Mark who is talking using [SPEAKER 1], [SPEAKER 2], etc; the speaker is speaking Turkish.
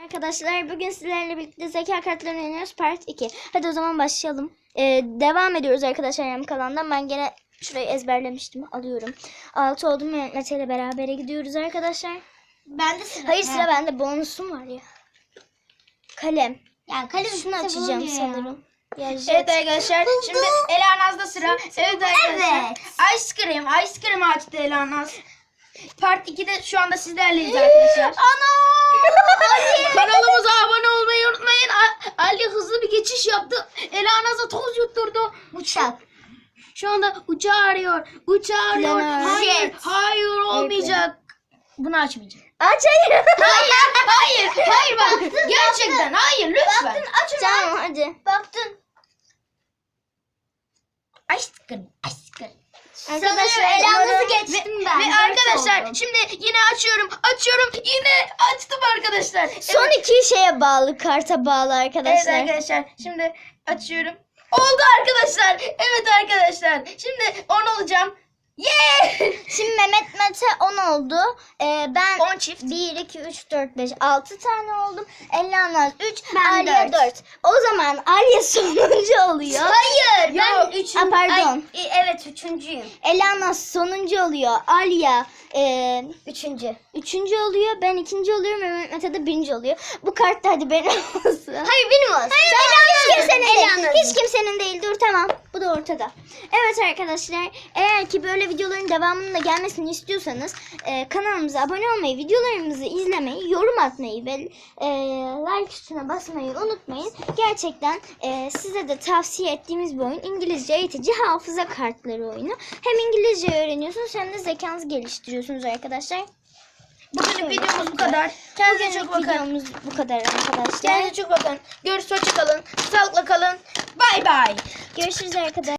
[SPEAKER 1] Arkadaşlar bugün sizlerle birlikte zeka kartlarını oynuyoruz part 2. Hadi o zaman başlayalım. Devam ediyoruz arkadaşlar yarım kalandan. Ben gene şurayı ezberlemiştim. Alıyorum. 6 oldum. Mete ile beraber gidiyoruz arkadaşlar.
[SPEAKER 2] Ben de sıra.
[SPEAKER 1] Hayır sıra bende. Bonusum var ya. Kalem.
[SPEAKER 2] Yani kalem
[SPEAKER 1] Şunu açacağım sanırım. Ya
[SPEAKER 3] Evet arkadaşlar şimdi Elanaz'da sıra. Evet arkadaşlar.
[SPEAKER 2] Evet.
[SPEAKER 3] Ice cream açtı Elanaz. Part 2'de şu anda sizlerleyiz arkadaşlar. Kanalımıza abone olmayı unutmayın. Ali hızlı bir geçiş yaptı. Elanaz'a toz yutturdu.
[SPEAKER 2] Uçak.
[SPEAKER 3] Şu anda uçağı arıyor. Uçağı arıyor.
[SPEAKER 1] Planör.
[SPEAKER 3] Hayır,
[SPEAKER 2] Jet.
[SPEAKER 3] hayır olmayacak. Bunu açmayacağım.
[SPEAKER 1] Aç hayır.
[SPEAKER 3] Hayır bak. Gerçekten hayır lütfen.
[SPEAKER 2] Aç onu.
[SPEAKER 1] Tamam hadi.
[SPEAKER 2] Baktın.
[SPEAKER 3] Ice cream.
[SPEAKER 1] Arkadaşlar
[SPEAKER 2] Elanaz'ı
[SPEAKER 1] umarım-
[SPEAKER 2] geçtim ben.
[SPEAKER 3] Ve arkadaşlar şimdi yine açıyorum yine açtım arkadaşlar.
[SPEAKER 1] Son iki şeye bağlı. Karta bağlı
[SPEAKER 3] Evet
[SPEAKER 1] arkadaşlar.
[SPEAKER 3] arkadaşlar şimdi açıyorum. Oldu arkadaşlar. Evet arkadaşlar. Şimdi 10 olacağım. Yeah!
[SPEAKER 1] Şimdi Mete 10 oldu. Ben
[SPEAKER 3] 10 çift.
[SPEAKER 1] 1, 2, 3, 4, 5, 6 tane oldum. Elanaz 3,
[SPEAKER 2] Ben
[SPEAKER 1] Alya 4. O zaman Alya sonuncu oluyor.
[SPEAKER 2] Hayır.
[SPEAKER 3] Yo.
[SPEAKER 2] Ben üçüncü.
[SPEAKER 1] Pardon.
[SPEAKER 2] Evet üçüncüyüm.
[SPEAKER 1] Elanaz sonuncu oluyor. Alya
[SPEAKER 2] Üçüncü.
[SPEAKER 1] üçüncü oluyor. Ben ikinci oluyorum. Mete de birinci oluyor. Bu kart da hadi benim olsun.
[SPEAKER 2] Hayır benim olsun.
[SPEAKER 1] Hiç kimsenin değil.
[SPEAKER 2] Elanaz'ın.
[SPEAKER 1] Hiç kimsenin değil. Dur tamam. Bu da ortada. Evet arkadaşlar. Eğer ki böyle videoların devamının da gelmesini istiyorsanız kanalımıza abone olmayı, videolarımızı izlemeyi, yorum atmayı ve like tuşuna basmayı unutmayın. Gerçekten size de tavsiye ettiğimiz bir oyun. İngilizce eğitici hafıza kartları oyunu. Hem İngilizce öğreniyorsunuz hem de zekanızı geliştiriyorsunuz arkadaşlar.
[SPEAKER 3] Bugünlük videomuz bu kadar. Kendinize çok bakın.
[SPEAKER 1] Videomuz bu kadar arkadaşlar.
[SPEAKER 3] Kendinize çok bakın. Görüşürüz. Hoşça kalın. Sağlıkla kalın. Bay bay.
[SPEAKER 1] Görüşürüz arkadaşlar.